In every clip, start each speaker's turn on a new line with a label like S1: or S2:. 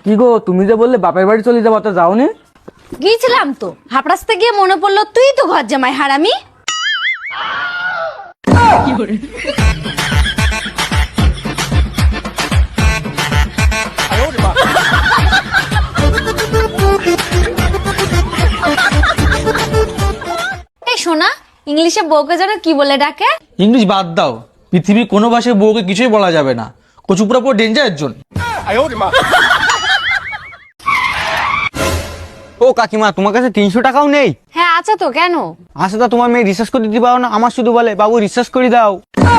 S1: কি গো, তুমি যে বললে বাপের বাড়ি চলে যাবো, তো যাওনি?
S2: গিয়েছিলাম তো, হাপড়াসতে গিয়ে মনে পড়লো তুই তো ঘর জামাই হারামি। এই শোনা, ইংলিশে বউকে যেন কি বলে ডাকে?
S3: ইংলিশ বাদ দাও, পৃথিবীর কোনো ভাষায় বউকে কিছুই বলা যাবে না। কচুপুরা পুরো ডেঞ্জারের জন্য।
S1: ও কাকিমা, তোমার কাছে 300 টাকাও নেই?
S2: হ্যাঁ আছে তো, কেন?
S1: আচ্ছা, তা তোমার মেয়ে রিসার্চ করে দিতে পারো না? আমার শুধু বলে বাবু রিসার্চ করে দাও।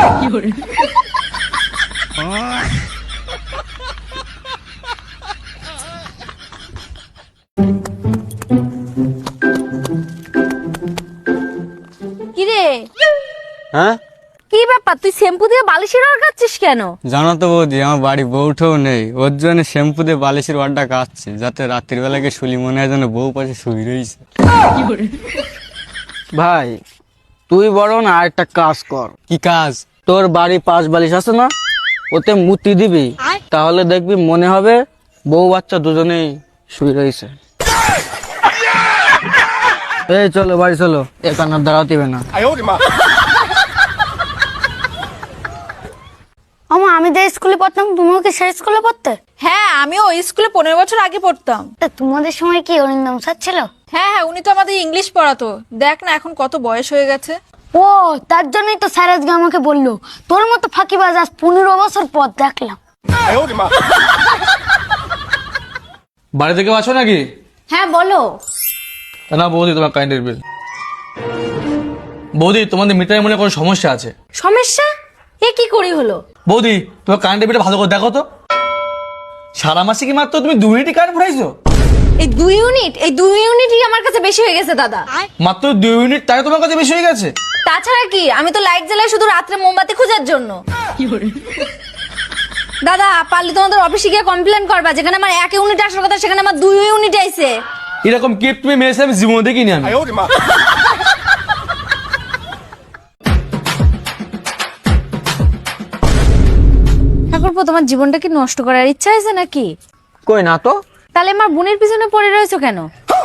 S2: কিরে,
S1: হ্যাঁ,
S2: কি ব্যাপার? তুই শ্যাম্পু দিয়ে বালিশের আর কাচ্ছিস কেন?
S4: জানো তো বৌদি, আমার বাড়ি বউটাও নেই, ওর জন্য শ্যাম্পু দিয়ে বালিশের ওয়ারটা কাটছে, যাতে রাত্রির বেলাকে শুলি মনে হয় যেন বউ পাশে শুয়ে রয়েছে।
S1: ভাই তুই বরং আর একটা কাজ কর।
S4: কি কাজ?
S1: তোর বাড়ি 5 বালিশ আছে না, ওতে মুতি দিবি, তাহলে দেখবি মনে হবে বউ বাচ্চা দুজনেই শুয়ে রয়েছে। এই চলো বাড়ি চলো, এখানে আর দাঁড়াতে হবে না।
S5: আমা, আমি যে স্কুলে পড়তাম তুমিও কি সেই স্কুলে পড়তে?
S6: হ্যাঁ, আমিও ওই স্কুলে 15 বছর আগে পড়তাম।
S5: তা তোমাদের সময় কি অরিন্দম স্যার ছিল?
S6: হ্যাঁ হ্যাঁ, উনি তো আমাদের ইংলিশ পড়াতো। দেখ না এখন কত বয়স হয়ে গেছে।
S5: ও, তার জন্যই তো স্যার আজকে আমাকে বললো তোর মতো ফাঁকিবাজ আজ 15 বছর পর দেখলাম।
S3: বাড়ি থেকে আছো নাকি?
S2: হ্যাঁ বলো।
S3: না বৌদি, তোমার কারেন্টের বিল। বৌদি, তোমাদের মিটারে মনে হয় কোনো সমস্যা আছে।
S2: সমস্যা? এ কি করি হলো?
S3: বৌদি, তোমার কারেন্টের বিলটা ভালো করে দেখো তো। সারা মাসে কি মাত্র তুমি 2 ইউনিট কারেন্ট ফুরাইছো?
S2: এই 2 ইউনিট, এই 2 ইউনিটই আমার কাছে বেশি হয়ে গেছে দাদা।
S3: মাত্র 2 ইউনিট, তাই তোমার কাছে বেশি হয়ে গেছে?
S2: তাছাড়া কি, আমি তো লাইট জ্বালাই শুধু রাত্রে মোমবাতি খোঁজার জন্য। দাদা, পারলে তোমাদের অফিসে গিয়ে কমপ্লেন করবা, যেখানে আমার 1 ইউনিট আসার কথা সেখানে আমার 2 ইউনিট আইছে।
S3: এরকম কেপ তুমি মেরেছে আমি জীবনে দেখিনি আমি।
S2: ঠাকুরপো, তোমার জীবনটা কি নষ্ট করার ইচ্ছা আছে নাকি?
S1: কই না তো।
S2: তাহলে আমার বোনের পিছনে পড়ে রয়েছো কেন?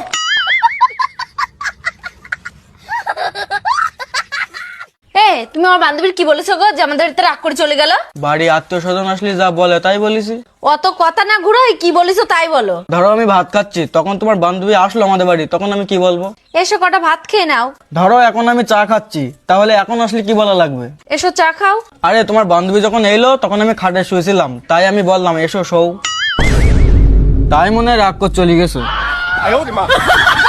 S2: তুমি আমার বান্ধবীর কি বলেছো গো, যে আমাদের বাড়িতে রাগ করে চলে গেল?
S1: বাড়ি আত্মীয় স্বজন আসলে যা বলে তাই বলেছি।
S2: অত কথা না ঘুরো, কি বলেছো তাই বলো।
S1: ধরো আমি ভাত খাচ্ছি, তখন তোমার বান্ধবী আসলো আমাদের বাড়ি, তখন আমি কি বলবো?
S2: এসো কটা ভাত খেয়ে নাও।
S1: ধরো এখন আমি চা খাচ্ছি, তাহলে এখন আসলে কি বলা লাগবে?
S2: এসো চা খাও।
S1: আরে তোমার বান্ধবী যখন এলো তখন আমি খাটে শুয়েছিলাম, তাই আমি বললাম এসো শোও, তাই মনে হয় রাগ করে চলে গেছো।